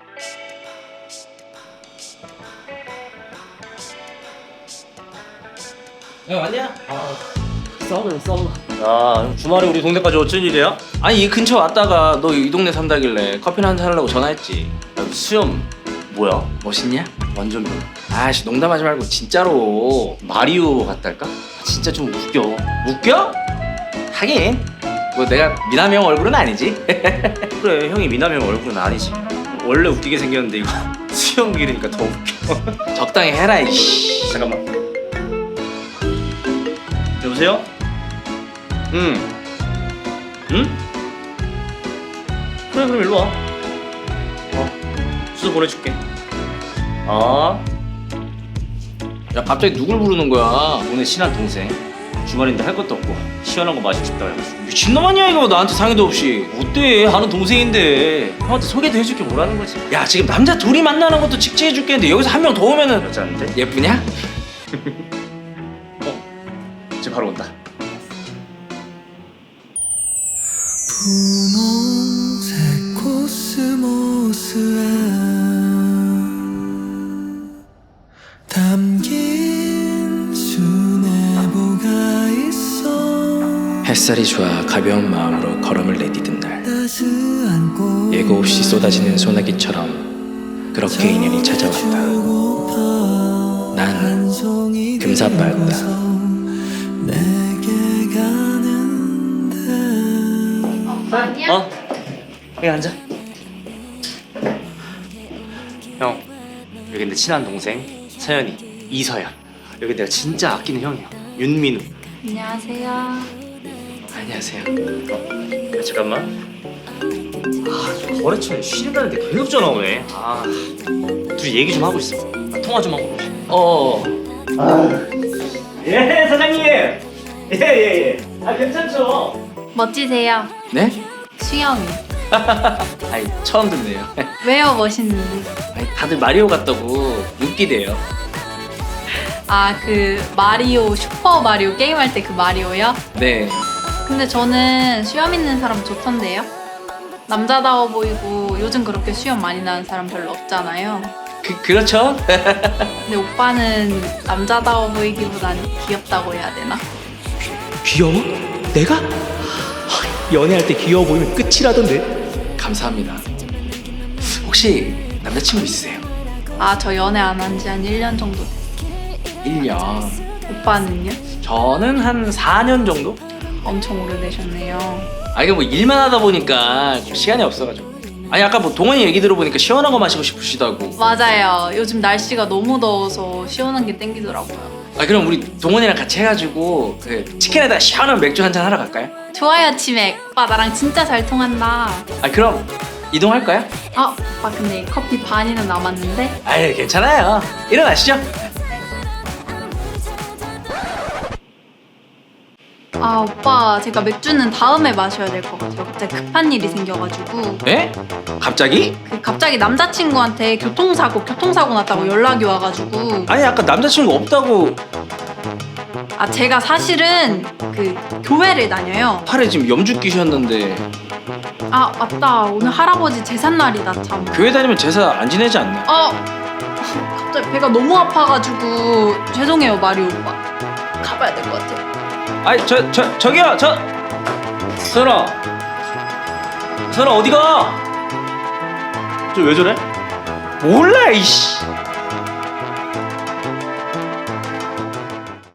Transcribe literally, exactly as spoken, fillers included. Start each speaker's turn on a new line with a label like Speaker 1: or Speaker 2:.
Speaker 1: 야 왔냐? 아 싸우네 싸우.
Speaker 2: 야, 주말에 우리 동네까지 어쩐 일이야?
Speaker 1: 아니 이 근처 왔다가 너 이 동네 산다길래 커피나 한잔 하려고 전화했지.
Speaker 2: 야, 수염 뭐야?
Speaker 1: 멋있냐?
Speaker 2: 완전 변.
Speaker 1: 아씨 농담하지 말고 진짜로.
Speaker 2: 마리오 같달까?
Speaker 1: 진짜 좀 웃겨. 웃겨? 하긴 뭐 내가 미남이 형 얼굴은 아니지.
Speaker 2: 그래, 형이 미남이 형 얼굴은 아니지. 원래 웃기게 생겼는데 이거 수염 기르니까 더 웃겨.
Speaker 1: 적당히 해라 이씨.
Speaker 2: 잠깐만. 여보세요? 응. 응? 그래, 그럼 일로 와. 어, 주소 보내줄게. 아,
Speaker 1: 야 갑자기 누굴 부르는 거야?
Speaker 2: 오늘 친한 동생. 주말인데 할 것도 없고 시원한 거 마시고 싶다 해가지고.
Speaker 1: 미친놈 아니야 이거 나한테 상의도 없이.
Speaker 2: 어때? 아는 동생인데 형한테 소개도 해줄게 뭐라는 거지?
Speaker 1: 야 지금 남자 둘이 만나는 것도 직지해 줄겠는데 여기서 한 명 더 오면은
Speaker 2: 여자인데?
Speaker 1: 예쁘냐?
Speaker 2: 지금 바로 온다.
Speaker 3: 분홍색 코스모스에 담긴 수뇌보가 있어.
Speaker 1: 햇살이 좋아 가벼운 마음으로 걸음을 내디딘 날
Speaker 3: 따스한 꽃
Speaker 1: 예고 없이 쏟아지는 소나기처럼 그렇게 인연이 찾아왔다. 난 금사빠였다.
Speaker 3: 내게 가는데
Speaker 2: 어? 여기 앉아. 형, 여기 내 친한 동생 서연이, 이서연. 여기 내가 진짜 아끼는 형이야, 윤민우.
Speaker 4: 안녕하세요.
Speaker 1: 안녕하세요.
Speaker 2: 야, 잠깐만. 아, 저 거래처에 쉬는다는데 계속 전화 오네. 아, 둘이 얘기 좀 하고 있어. 나 통화 좀 하고.
Speaker 1: 어
Speaker 2: 예, 사장님. 예, 예, 예. 아, 괜찮죠?
Speaker 4: 멋지세요.
Speaker 1: 네?
Speaker 4: 수영이.
Speaker 1: 아이 처음 듣네요.
Speaker 4: 왜요 멋있는데?
Speaker 1: 아니, 다들 마리오 같다고 웃기대요.
Speaker 4: 아 그 마리오 슈퍼 마리오 게임할 때 그 마리오요?
Speaker 1: 네.
Speaker 4: 근데 저는 수염 있는 사람 좋던데요? 남자다워 보이고 요즘 그렇게 수염 많이 나는 사람 별로 없잖아요.
Speaker 1: 그 그렇죠?
Speaker 4: 근데 오빠는 남자다워 보이기보단 귀엽다고 해야 되나?
Speaker 1: 귀여워? 내가? 연애할 때 귀여워 보이면 끝이라던데. 감사합니다. 혹시 남자친구 있으세요?
Speaker 4: 아 저 연애 안 한 지 한 일 년 정도 됐어요.
Speaker 1: 일 년.
Speaker 4: 오빠는요?
Speaker 1: 저는 한 사 년 정도?
Speaker 4: 엄청 오래되셨네요.
Speaker 1: 아 이게 뭐 일만 하다 보니까 좀 시간이 없어가지고. 아니 아까 뭐 동원이 얘기 들어보니까 시원한 거 마시고 싶으시다고.
Speaker 4: 맞아요. 요즘 날씨가 너무 더워서 시원한 게 땡기더라고요.
Speaker 1: 아 그럼 우리 동원이랑 같이 해가지고 그 치킨에다 시원한 맥주 한잔 하러 갈까요?
Speaker 4: 좋아요 치맥. 오빠 나랑 진짜 잘 통한다.
Speaker 1: 아 그럼 이동할까요?
Speaker 4: 아 오빠 근데 커피 반이나 남았는데.
Speaker 1: 아유 괜찮아요. 일어나시죠.
Speaker 4: 아 오빠 제가 맥주는 다음에 마셔야 될 것 같아요. 갑자기 급한 일이 생겨가지고.
Speaker 1: 에? 갑자기?
Speaker 4: 그 갑자기 남자친구한테 교통사고 교통사고 났다고 연락이 와가지고.
Speaker 1: 아니 아까 남자친구 없다고.
Speaker 4: 아 제가 사실은 그 교회를 다녀요.
Speaker 1: 팔에 지금 염주 끼셨는데
Speaker 4: 아 맞다 오늘 할아버지 제삿날이다 참.
Speaker 1: 교회 다니면 제사 안 지내지 않나?
Speaker 4: 어 갑자기 배가 너무 아파가지고 죄송해요 마리오 오빠. 가봐야 될 것 같아요.
Speaker 1: 아니 저 저 저기요 저 선아 선아 어디가? 저 왜 저래? 몰라 이씨.